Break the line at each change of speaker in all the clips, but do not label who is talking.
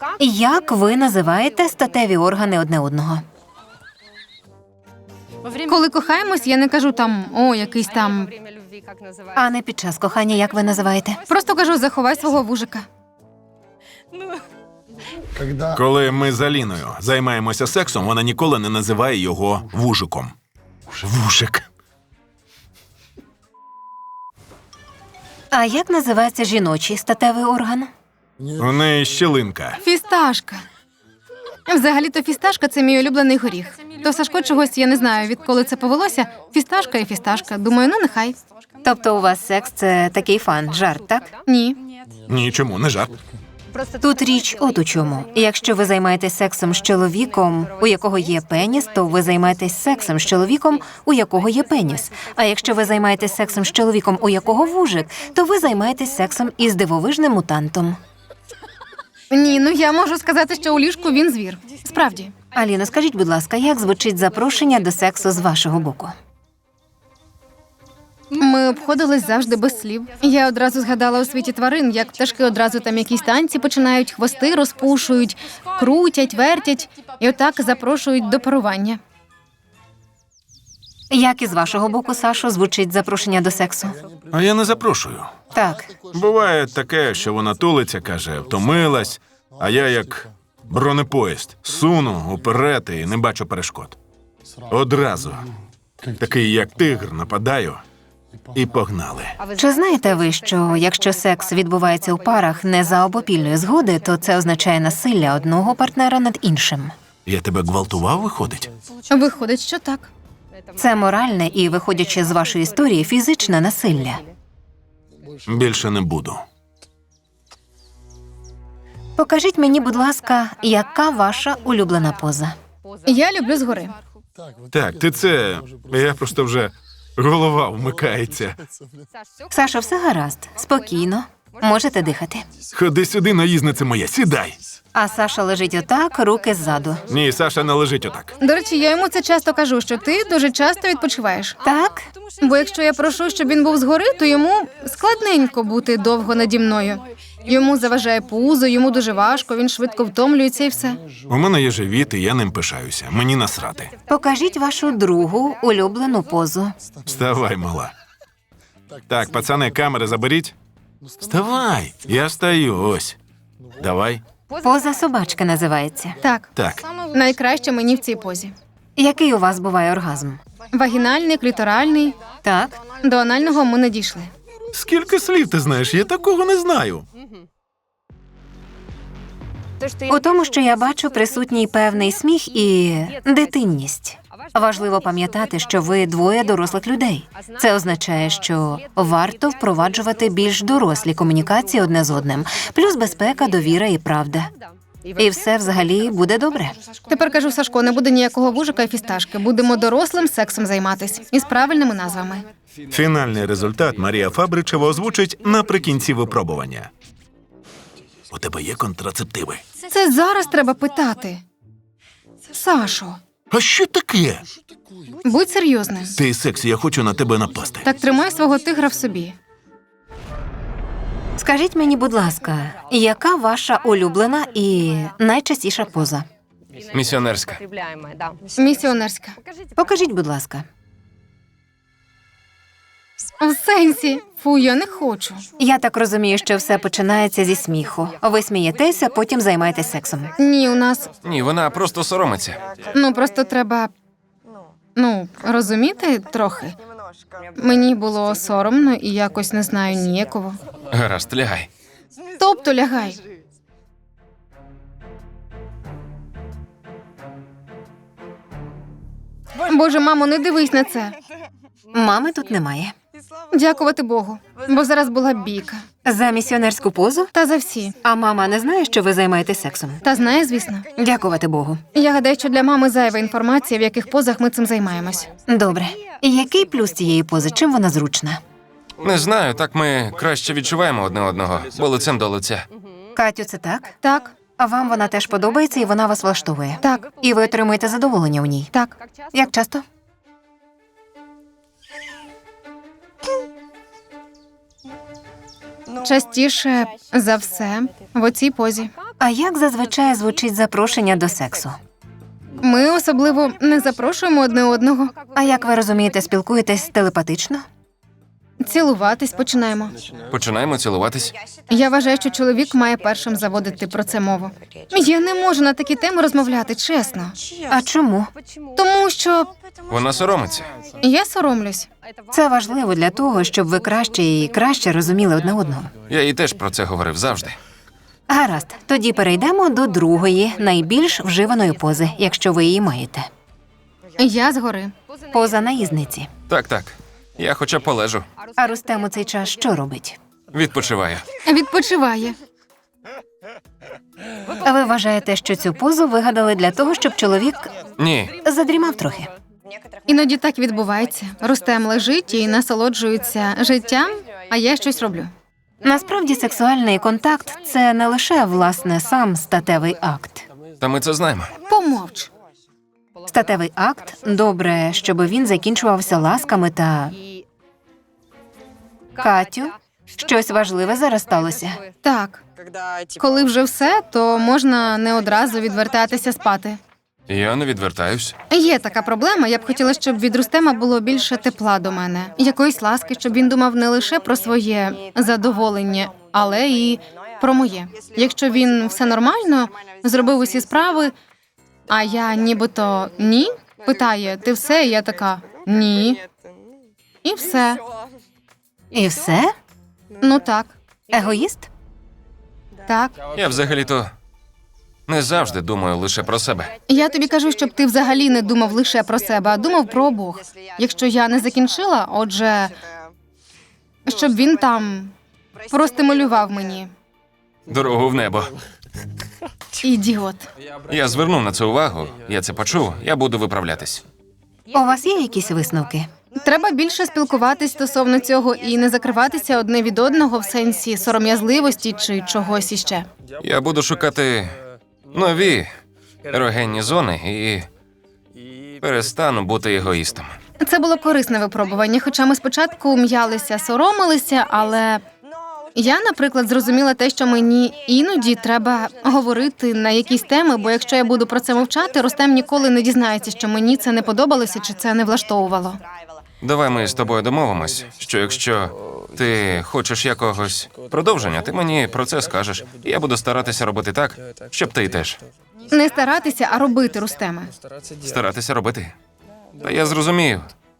Як ви називаєте статеві органи одне одного?
Коли кохаємось, я не кажу там, о, якийсь там.
А не під час кохання, як ви називаєте?
Просто кажу, заховай свого вужика.
Коли ми з Аліною займаємося сексом, вона ніколи не називає його вужиком. Вужик.
А як називається жіночий статевий орган?
У неї щілинка.
Фісташка. Взагалі-то фісташка – це мій улюблений горіх. То Сашко чогось, я не знаю, відколи це повелося. Фісташка і фісташка. Думаю, ну нехай.
Тобто у вас секс – це такий фан, жарт, так?
Ні.
Ні, чому, не жарт.
Тут річ от у чому. Якщо ви займаєтесь сексом з чоловіком, у якого є пеніс, то ви займаєтесь сексом з чоловіком, у якого є пеніс. А якщо ви займаєтесь сексом з чоловіком, у якого вужик, то ви займаєтесь сексом із дивовижним мутантом.
Ні, ну я можу сказати, що у ліжку він звір. Справді.
Аліно, скажіть, будь ласка, як звучить запрошення до сексу з вашого боку?
Ми обходились завжди без слів. Я одразу згадала у світі тварин, як пташки одразу там якісь танці починають, хвости розпушують, крутять, вертять і отак запрошують до парування.
Як із вашого боку, Сашо, звучить запрошення до сексу?
А я не запрошую.
Так.
Буває таке, що вона тулиться, каже, втомилась, а я як бронепоїзд суну уперед і не бачу перешкод. Одразу. Такий, як тигр, нападаю і погнали.
Чи знаєте ви, що якщо секс відбувається у парах не за обопільної згоди, то це означає насилля одного партнера над іншим?
Я тебе гвалтував, виходить?
Виходить, що так.
Це моральне і, виходячи з вашої історії, фізичне насилля.
Більше не буду.
Покажіть мені, будь ласка, яка ваша улюблена поза?
Я люблю згори.
Так, ти це... Я просто вже... Голова вмикається.
Сашо, все гаразд, спокійно, можете дихати.
Ходи сюди, наїзниця моя, сідай.
А Саша лежить отак, руки ззаду.
Ні, Саша не лежить отак.
До речі, я йому це часто кажу, що ти дуже часто відпочиваєш.
Так?
Бо якщо я прошу, щоб він був згори, то йому складненько бути довго наді мною. Йому заважає пузо, йому дуже важко, він швидко втомлюється і все.
У мене є живіт, і я ним пишаюся. Мені насрати.
Покажіть вашу другу улюблену позу.
Вставай, мала. Так, пацани, камери заберіть. Вставай, я стою, ось. Давай.
Поза собачки називається.
Так,
Так,
найкраще мені в цій позі.
Який у вас буває оргазм?
Вагінальний, кліторальний.
Так?
До анального ми не дійшли.
скільки слів ти знаєш? Я такого не знаю.
У тому, що я бачу, присутній певний сміх і дитинність. Важливо пам'ятати, що ви двоє дорослих людей. Це означає, що варто впроваджувати більш дорослі комунікації одне з одним, плюс безпека, довіра і правда. І все взагалі буде добре.
Тепер кажу, Сашко, не буде ніякого вужика і фісташки. Будемо дорослим сексом займатись. Із правильними назвами.
Фінальний результат Марія Фабричева озвучить наприкінці випробування. У тебе є контрацептиви?
Це зараз треба питати. Сашо,
А що таке?
будь серйозним.
Ти сексі, я хочу на тебе напасти.
Так тримай свого тигра в собі.
Скажіть мені, будь ласка, яка ваша улюблена і найчастіша поза?
Місіонерська.
Місіонерська.
Покажіть, будь ласка.
В сенсі. Фу, я не хочу.
Я так розумію, що все починається зі сміху. Ви смієтеся, потім займаєтесь сексом.
Ні, у нас,
Ні, вона просто соромиться.
просто треба, розуміти трохи. Мені було соромно і якось, не знаю, ніяково.
Гаразд, лягай.
Тобто лягай. Боже, мамо, не дивись на це.
Мами тут немає.
Дякувати Богу, бо зараз була бійка.
За місіонерську позу?
Та за всі.
А мама не знає, що ви займаєтесь сексом?
Та знає, звісно.
Дякувати Богу.
Я гадаю, що для мами зайва інформація, в яких позах ми цим займаємось.
Добре. І який плюс цієї пози? Чим вона зручна?
Не знаю, так ми краще відчуваємо одне одного, бо лицем до лиця.
Катю, це так?
Так,
А вам вона теж подобається і вона вас влаштовує?
так,
І ви отримуєте задоволення у ній?
так.
Як часто?
Частіше за все в оцій позі.
А як зазвичай звучить запрошення до сексу?
Ми особливо не запрошуємо одне одного.
А як ви розумієте, спілкуєтесь телепатично?
Цілуватись починаємо.
Починаємо цілуватись.
Я вважаю, що чоловік має першим заводити про це мову. Я не можу на такі теми розмовляти, чесно.
А чому?
Тому що
Вона соромиться.
я соромлюсь.
Це важливо для того, щоб ви краще і краще розуміли одне одного.
Я їй теж про це говорив завжди.
Гаразд, тоді перейдемо до другої, найбільш вживаної пози, якщо ви її маєте.
Я згори.
Поза наїзниці.
Так. Я хоча б полежу.
А Рустем у цей час що робить?
Відпочиваю.
Відпочиває.
А ви вважаєте, що цю позу вигадали для того, щоб чоловік
Ні.
задрімав трохи?
Іноді так відбувається. Рустем лежить і насолоджується життям, а я щось роблю.
Насправді сексуальний контакт – це не лише, власне, сам статевий акт.
Та ми це знаємо.
Помовч.
Статевий акт – добре, щоб він закінчувався ласками та… Катю, щось важливе зараз сталося.
Так. Коли вже все, то можна не одразу відвертатися спати.
Я не відвертаюсь.
Є така проблема. Я б хотіла, щоб від Рустема було більше тепла до мене. Якоїсь ласки, щоб він думав не лише про своє задоволення, але і про моє. Якщо він все нормально, зробив усі справи, а я нібито ні, питає, ти все? І я така, ні. І все.
І все?
Ну так,
Егоїст?
так.
Я взагалі-то не завжди думаю лише про себе.
Я тобі кажу, щоб ти взагалі не думав лише про себе, а думав про обох. Якщо я не закінчила, отже, щоб він там простимулював мені.
Дорогу в небо.
Ідіот.
Я звернув на це увагу, я це почув, я буду виправлятись.
У вас є якісь висновки?
Треба більше спілкуватись стосовно цього і не закриватися одне від одного в сенсі сором'язливості чи чогось іще.
Я буду шукати нові ерогенні зони і перестану бути егоїстом.
Це було корисне випробування, хоча ми спочатку м'ялися, соромилися, але я, наприклад, зрозуміла те, що мені іноді треба говорити на якісь теми, бо якщо я буду про це мовчати, Рустем ніколи не дізнається, що мені це не подобалося чи це не влаштовувало.
Давай ми з тобою домовимось, що якщо ти хочеш якогось продовження, ти мені про це скажеш. І я буду старатися робити так, щоб ти теж.
Не старатися, а робити, Рустеме.
Старатися робити. Та я зрозумів.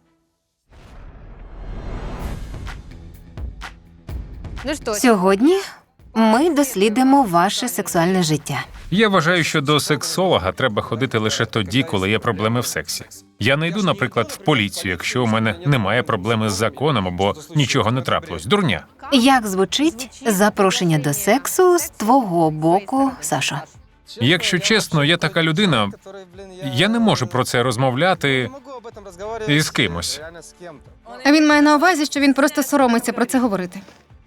Сьогодні ми дослідимо ваше сексуальне життя.
Я вважаю, що до сексолога треба ходити лише тоді, коли є проблеми в сексі. Я не йду, наприклад, в поліцію, якщо у мене немає проблеми з законом або нічого не трапилось. Дурня.
Як звучить запрошення до сексу з твого боку, Сашо?
Якщо чесно, я така людина, я не можу про це розмовляти із кимось.
А він має на увазі, що він просто соромиться про це говорити.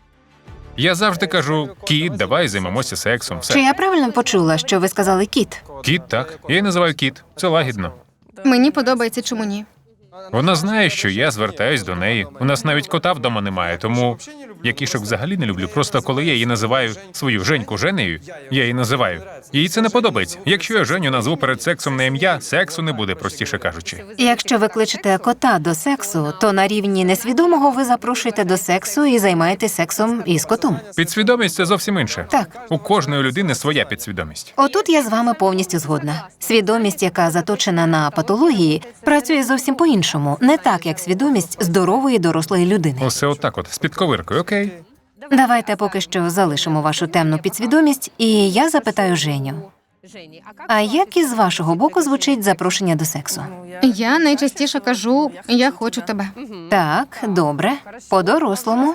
Я завжди кажу: кіт, давай займемося сексом.
Чи
Все.
я правильно почула, що ви сказали кіт?
Кіт, так. Я її називаю кіт. Це лагідно.
Мені подобається, чому ні.
Вона знає, що я звертаюсь до неї. У нас навіть кота вдома немає, тому я кішок взагалі не люблю. Просто коли я її називаю свою Женьку Женею, я її називаю. Їй це не подобається. Якщо я Женю назву перед сексом на ім'я, сексу не буде, простіше кажучи.
Якщо ви кличете кота до сексу, то на рівні несвідомого ви запрошуєте до сексу і займаєтесь сексом із котом.
Підсвідомість – це зовсім інше.
Так.
У кожної людини своя підсвідомість.
Отут я з вами повністю згодна. Свідомість, яка заточена на патології, працює зовсім по-іншому, не так, як свідомість здорової дорослої людини.
Усе отак от, з підковиркою, окей?
Давайте поки що залишимо вашу темну підсвідомість, і я запитаю Женю. А як із вашого боку звучить запрошення до сексу?
Я найчастіше кажу, я хочу тебе.
Так, добре, по-дорослому.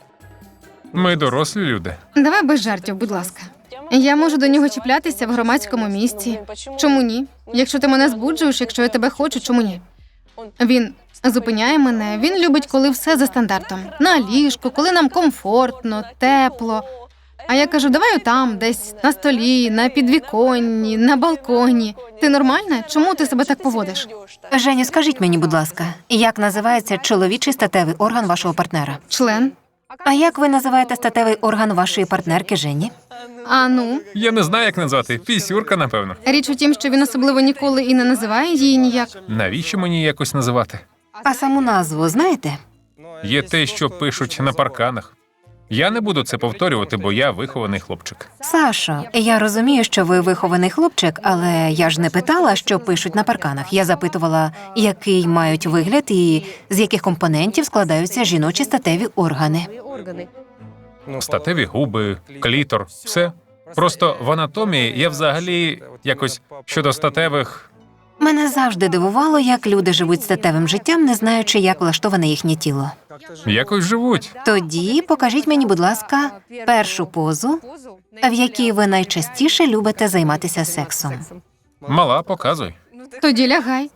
Ми дорослі люди.
Давай без жартів, будь ласка. Я можу до нього чіплятися в громадському місці. Чому ні? Якщо ти мене збуджуєш, якщо я тебе хочу, чому ні? Він зупиняє мене, він любить, коли все за стандартом. На ліжку, коли нам комфортно, тепло. А я кажу, давай там, десь на столі, на підвіконні, на балконі. Ти нормальна? Чому ти себе так поводиш?
Женю, скажіть мені, будь ласка, як називається чоловічий статевий орган вашого партнера?
Член.
А як ви називаєте статевий орган вашої партнерки Жені?
А ну,
Я не знаю, як назвати. Пісюрка, напевно.
річ у тім, що він особливо ніколи і не називає її ніяк.
Навіщо мені якось називати?
А саму назву знаєте?
Є те, що пишуть на парканах. Я не буду це повторювати, бо я вихований хлопчик.
Сашо, я розумію, що ви вихований хлопчик, але я ж не питала, що пишуть на парканах. Я запитувала, який мають вигляд і з яких компонентів складаються жіночі статеві органи.
Статеві губи, клітор, все. Просто в анатомії я взагалі якось щодо статевих.
Мене завжди дивувало, як люди живуть статевим життям, не знаючи, як влаштоване їхнє тіло.
Якось живуть.
Тоді покажіть мені, будь ласка, першу позу, в якій ви найчастіше любите займатися сексом.
Мала, показуй.
Тоді лягай.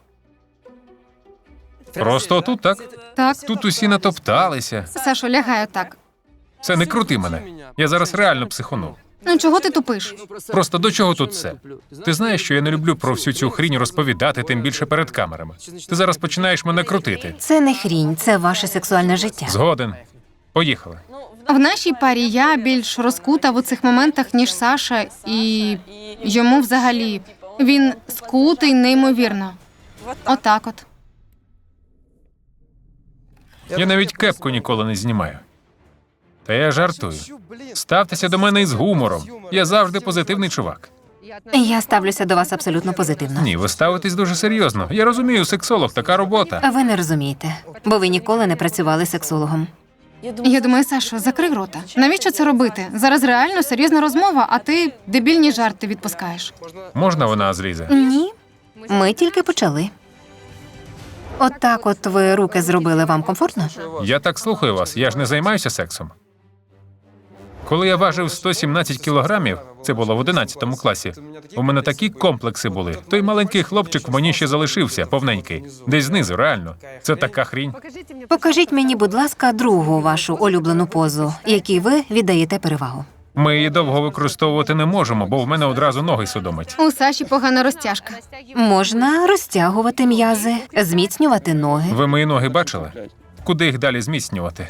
Просто тут так.
Так,
Тут усі натопталися.
Сашо, лягай отак.
Це не крути мене. Я зараз реально психону.
Ну чого ти тупиш?
Просто до чого тут це? Ти знаєш, що я не люблю про всю цю хрінь розповідати, тим більше перед камерами. Ти зараз починаєш мене крутити.
Це не хрінь, це ваше сексуальне життя.
Згоден. Поїхали.
В нашій парі я більш розкута в цих моментах, ніж Саша, і йому взагалі він скутий неймовірно. Отак от.
Я навіть кепку ніколи не знімаю. Та я жартую. Ставтеся до мене із гумором. Я завжди позитивний чувак.
Я ставлюся до вас абсолютно позитивно.
Ні, ви ставитесь дуже серйозно. Я розумію, сексолог, така робота.
Ви не розумієте, бо ви ніколи не працювали сексологом.
Я думаю, Сашо, закрий рота. Навіщо це робити? Зараз реально серйозна розмова, а ти дебільні жарти відпускаєш.
Можна вона злізе?
Ні, ми тільки почали. Отак от ви руки зробили, вам комфортно?
Я так слухаю вас, я ж не займаюся сексом. Коли я важив 117 кілограмів, це було в 11 класі, у мене такі комплекси були. Той маленький хлопчик в мені ще залишився, повненький. Десь знизу, реально. Це така хрінь.
Покажіть мені, будь ласка, другу вашу улюблену позу, якій ви віддаєте перевагу.
Ми її довго використовувати не можемо, бо в мене одразу ноги судомить.
У Саші погана розтяжка.
Можна розтягувати м'язи, зміцнювати ноги.
Ви мої ноги бачили? Куди їх далі зміцнювати?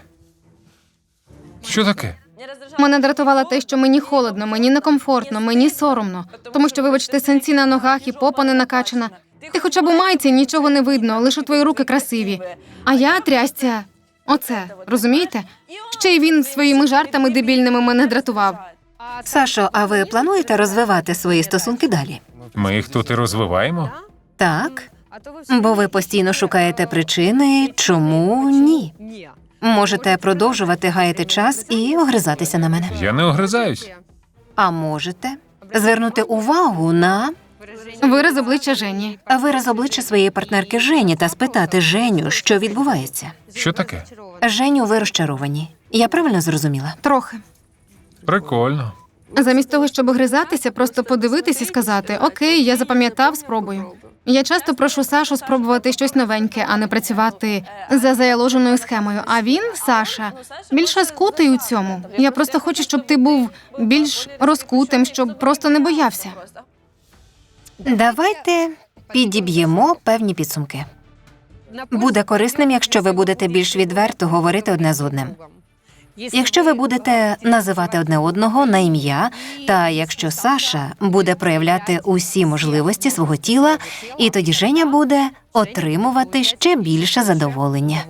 Що таке?
Мене дратувало те, що мені холодно, мені некомфортно, мені соромно. Тому що, вибачте, синці на ногах і попа не накачана. Ти хоча б у майці нічого не видно, лише твої руки красиві. А я трясця. Оце, розумієте? Ще й він своїми жартами дебільними мене дратував.
Сашо, а ви плануєте розвивати свої стосунки далі?
Ми їх тут і розвиваємо.
Так, бо ви постійно шукаєте причини, чому ні. Можете продовжувати гаяти час і огризатися на мене.
Я не огризаюсь.
А можете звернути увагу на
Вираз обличчя Жені.
вираз обличчя своєї партнерки Жені та спитати Женю, що відбувається.
Що таке?
Женю, ви розчаровані. Я правильно зрозуміла?
Трохи.
Прикольно.
Замість того, щоб огризатися, просто подивитись і сказати: окей, я запам'ятав, спробую. Я часто прошу Сашу спробувати щось новеньке, а не працювати за заяложеною схемою. А він, Саша, більш розкутий у цьому. Я просто хочу, щоб ти був більш розкутим, щоб просто не боявся.
Давайте підіб'ємо певні підсумки. Буде корисним, якщо ви будете більш відверто говорити одне з одним. Якщо ви будете називати одне одного на ім'я, та якщо Саша буде проявляти усі можливості свого тіла, і тоді Женя буде отримувати ще більше задоволення.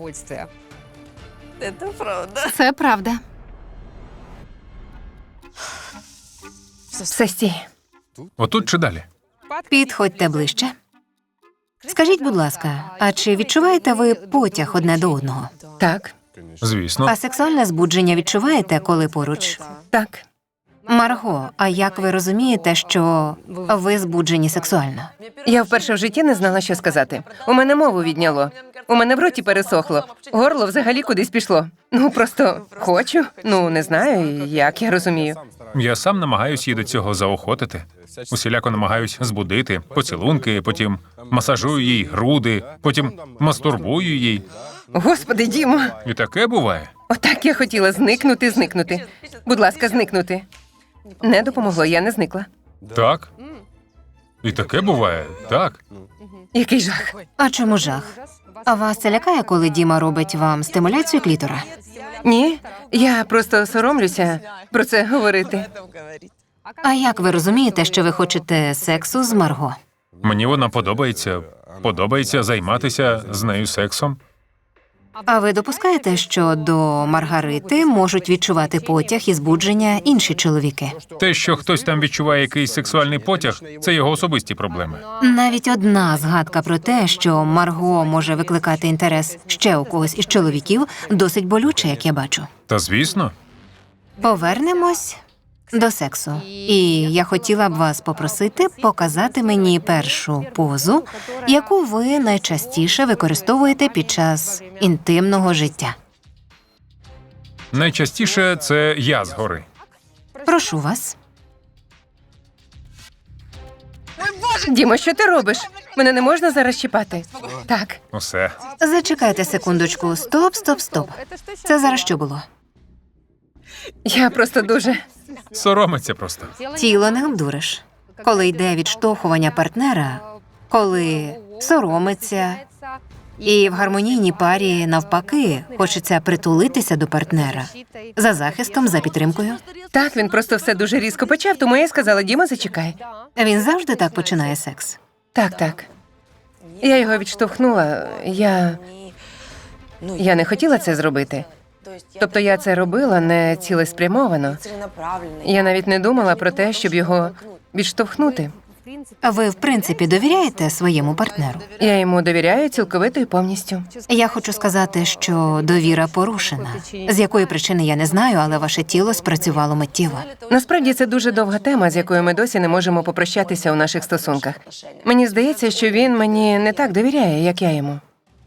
Це правда.
Все стій.
Отут чи далі?
Підходьте ближче. Скажіть, будь ласка, а чи відчуваєте ви потяг одне до одного? Так.
Звісно.
А сексуальне збудження відчуваєте, коли поруч? Так. Марго, а як ви розумієте, що ви збуджені сексуально?
Я вперше в житті не знала, що сказати. У мене мову відняло. У мене в роті пересохло. Горло взагалі кудись пішло. Ну, просто хочу. Ну, не знаю, як я розумію.
Я сам намагаюсь її до цього заохотити. Усіляко намагаюсь збудити, поцілунки, потім масажую їй груди, потім мастурбую їй.
Господи, Дімо,
І таке буває.
отак я хотіла зникнути. Будь ласка, зникнути. Не допомогло, я не зникла.
Так? І таке буває, так.
Який жах.
А чому жах? А вас це лякає, коли Діма робить вам стимуляцію клітора?
Ні, я просто соромлюся про це говорити.
А як ви розумієте, що ви хочете сексу з Марго?
Мені вона подобається. Подобається займатися з нею сексом.
А ви допускаєте, що до Маргарити можуть відчувати потяг і збудження інші чоловіки?
Те, що хтось там відчуває якийсь сексуальний потяг, це його особисті проблеми.
Навіть одна згадка про те, що Марго може викликати інтерес ще у когось із чоловіків, досить болюче, як я бачу.
Та звісно,
Повернемось до сексу. І я хотіла б вас попросити показати мені першу позу, яку ви найчастіше використовуєте під час інтимного життя.
найчастіше це я згори.
Прошу вас.
Дімо, що ти робиш? Мене не можна зараз чіпати. Так,
Усе.
Зачекайте секундочку. Стоп, стоп, стоп. Це зараз що було?
я просто дуже.
Соромиться просто.
Тіло не обдуриш. Коли йде відштовхування партнера, коли соромиться, і в гармонійній парі навпаки хочеться притулитися до партнера за захистом, за підтримкою.
Так, він просто все дуже різко почав, тому я й сказала, Діма, зачекай.
Він завжди так починає секс.
Так. Я його відштовхнула. Я не хотіла це зробити. Тобто я це робила не цілеспрямовано. Я навіть не думала про те, щоб його відштовхнути.
Ви, в принципі, довіряєте своєму партнеру?
Я йому довіряю цілковито і повністю.
Я хочу сказати, що довіра порушена. З якої причини я не знаю, але ваше тіло спрацювало миттєво.
Насправді це дуже довга тема, з якою ми досі не можемо попрощатися у наших стосунках. Мені здається, що він мені не так довіряє, як я йому.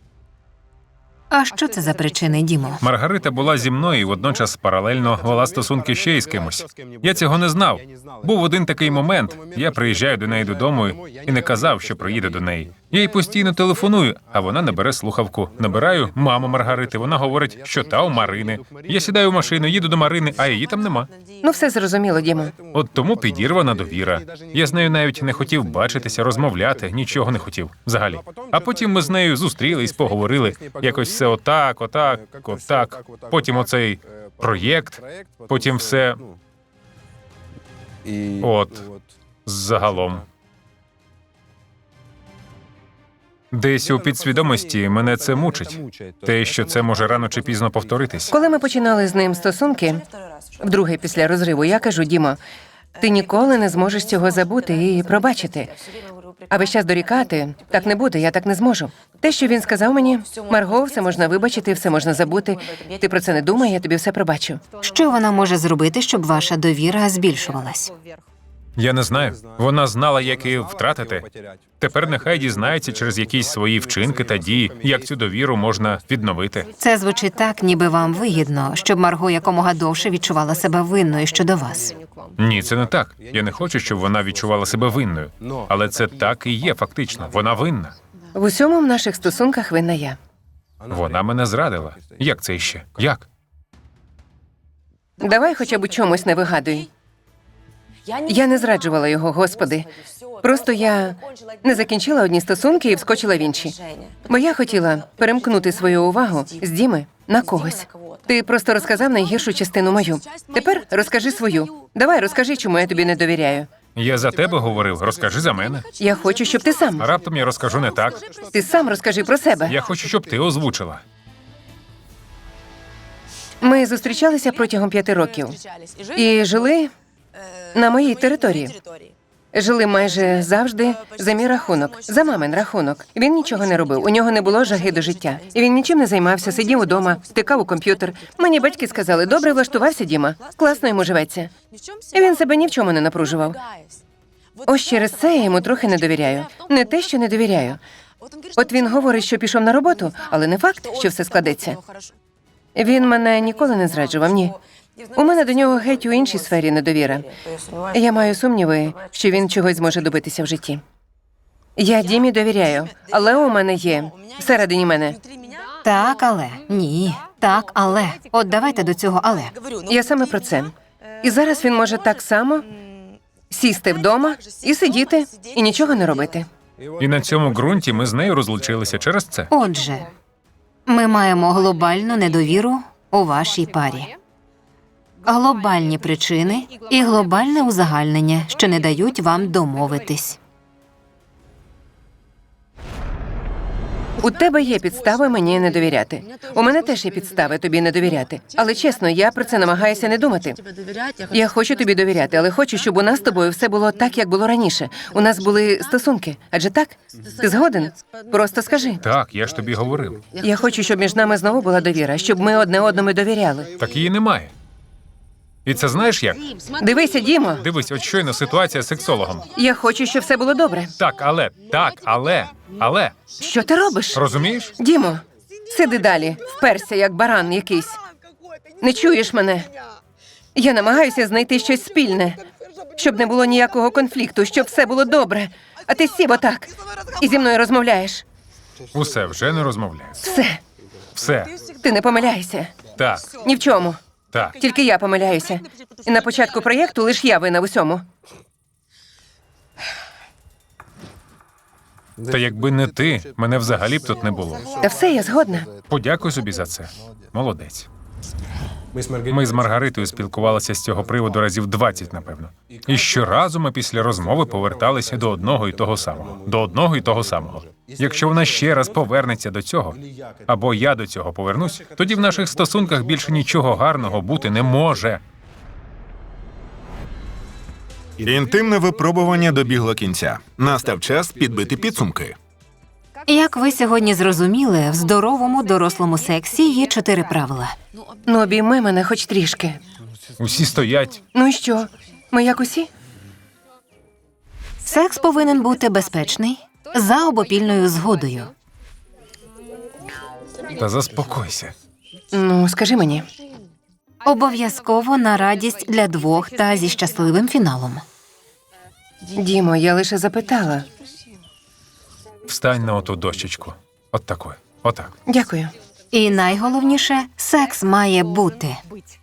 А що це за причини, Дімо?
Маргарита була зі мною і водночас паралельно вела стосунки ще із кимось. Я цього не знав. Був один такий момент. Я приїжджаю до неї додому і не казав, що приїду до неї. Я їй постійно телефоную, а вона не бере слухавку. Набираю маму Маргарити. Вона говорить, що та у Марини. Я сідаю в машину, їду до Марини, а її там нема.
Ну, все зрозуміло, Дімо.
От тому підірвана довіра. Я з нею навіть не хотів бачитися, розмовляти, нічого не хотів взагалі. А потім ми з нею зустрілись, поговорили. Якось все отак. Потім оцей проєкт, потім все от загалом. Десь у підсвідомості мене це мучить. Те, що це може рано чи пізно повторитись.
Коли ми починали з ним стосунки, вдруге після розриву, я кажу, Дімо, ти ніколи не зможеш цього забути і пробачити. А весь час дорікати, так не буде, я так не зможу. Те, що він сказав мені, Марго, все можна вибачити, все можна забути. Ти про це не думай, я тобі все пробачу.
Що вона може зробити, щоб ваша довіра збільшувалась?
Я не знаю. Вона знала, як її втратити. Тепер нехай дізнається через якісь свої вчинки та дії, як цю довіру можна відновити.
Це звучить так, ніби вам вигідно, щоб Марго якомога довше відчувала себе винною щодо вас.
Ні, це не так. Я не хочу, щоб вона відчувала себе винною. Але це так і є фактично. Вона винна.
В усьому в наших стосунках винна я.
Вона мене зрадила. Як це іще? Як?
Давай хоча б у чомусь не вигадуй. Я не зраджувала його, Господи. Просто я не закінчила одні стосунки і вскочила в інші. Бо я хотіла перемкнути свою увагу з Діми на когось. Ти просто розказав найгіршу частину мою. Тепер розкажи свою. Давай розкажи, чому я тобі не довіряю.
Я за тебе говорив, розкажи за мене.
Я хочу, щоб ти сам.
А раптом я розкажу не так.
Ти сам розкажи про себе.
Я хочу, щоб ти озвучила.
Ми зустрічалися протягом 5 років і жили на моїй території. Жили майже завжди за мій рахунок, за мамин рахунок. Він нічого не робив, у нього не було жаги до життя. І він нічим не займався, сидів удома, втикав у комп'ютер. Мені батьки сказали, добре влаштувався Діма, класно йому живеться. І він себе ні в чому не напружував. Ось через це я йому трохи не довіряю. Не те, що не довіряю. От він говорить, що пішов на роботу, але не факт, що все складеться. Він мене ніколи не зраджував, ні. У мене до нього геть у іншій сфері недовіра. Я маю сумніви, що він чогось зможе добитися в житті. Я Дімі довіряю, але у мене є всередині мене.
Так, але. Ні. Так, але. От давайте до цього але.
Я саме про це. І зараз він може так само сісти вдома і сидіти, і нічого не робити.
І на цьому ґрунті ми з нею розлучилися через це.
Отже, ми маємо глобальну недовіру у вашій парі. Глобальні причини і глобальне узагальнення, що не дають вам домовитись.
У тебе є підстави мені не довіряти. У мене теж є підстави тобі не довіряти. Але чесно, я про це намагаюся не думати. Я хочу тобі довіряти, але хочу, щоб у нас з тобою все було так, як було раніше. У нас були стосунки. Адже так? Ти згоден? Просто скажи.
Так, я ж тобі говорив.
Я хочу, щоб між нами знову була довіра, щоб ми одне одному довіряли.
Так її немає. І це знаєш як?
Дивися, Дімо,
Дивись, от щойно ситуація з сексологом.
я хочу, щоб все було добре.
Так, але.
Що ти робиш?
Розумієш?
Дімо, сиди далі, вперся, як баран якийсь. Не чуєш мене? Я намагаюся знайти щось спільне, щоб не було ніякого конфлікту, щоб все було добре. А ти сів отак і зі мною розмовляєш.
Усе, вже не розмовляю.
Все,
Все.
ти не помиляйся.
Так,
Ні в чому.
так.
Тільки я помиляюся. І на початку проєкту лиш я винна в усьому.
Та якби не ти, мене взагалі б тут не було.
Та все, я згодна.
Подякуй собі за це. Молодець. Ми з Маргаритою спілкувалися з цього приводу разів 20, напевно. І щоразу ми після розмови поверталися до одного і того самого. До одного і того самого. Якщо вона ще раз повернеться до цього, або я до цього повернусь, тоді в наших стосунках більше нічого гарного бути не може.
Інтимне випробування добігло кінця. Настав час підбити підсумки.
Як ви сьогодні зрозуміли, в здоровому дорослому сексі є 4 правила.
Ну, обійми мене хоч трішки.
Усі стоять.
Ну і що? Ми як усі?
Секс повинен бути безпечний, за обопільною згодою.
Та заспокойся.
Ну, скажи мені.
Обов'язково на радість для двох та зі щасливим фіналом.
Дімо, я лише запитала.
Встань на оту дощечку. От такою. Отак.
Дякую.
І найголовніше, секс має бути.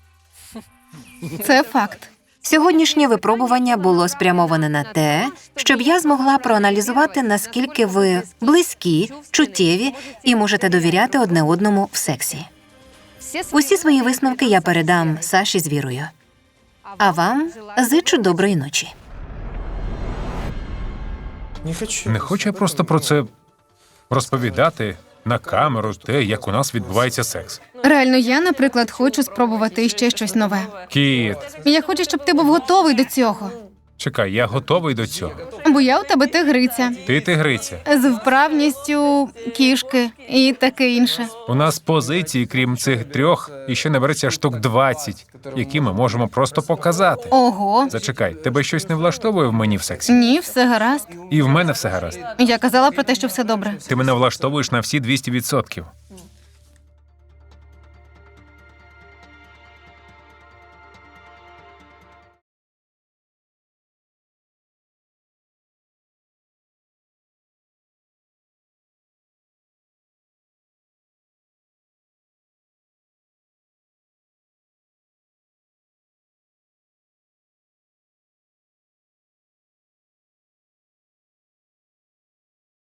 Це факт.
Сьогоднішнє випробування було спрямоване на те, щоб я змогла проаналізувати, наскільки ви близькі, чуттєві і можете довіряти одне одному в сексі. Усі свої висновки я передам Саші з Вірою. А вам зичу доброї ночі.
Не хочу я просто про це розповідати на камеру те, як у нас відбувається секс.
Реально, я, наприклад, хочу спробувати ще щось нове.
Кіт,
Я хочу, щоб ти був готовий до цього.
чекай, я готовий до цього.
Бо я у тебе тигриця.
Ти тигриця.
З вправністю кішки і таке інше.
У нас позиції, крім цих 3, іще набереться штук 20, які ми можемо просто показати.
Ого.
Зачекай, тебе щось не влаштовує в мені в сексі?
Ні, все гаразд.
І в мене все гаразд.
Я казала про те, що все добре.
Ти мене влаштовуєш на всі 200%.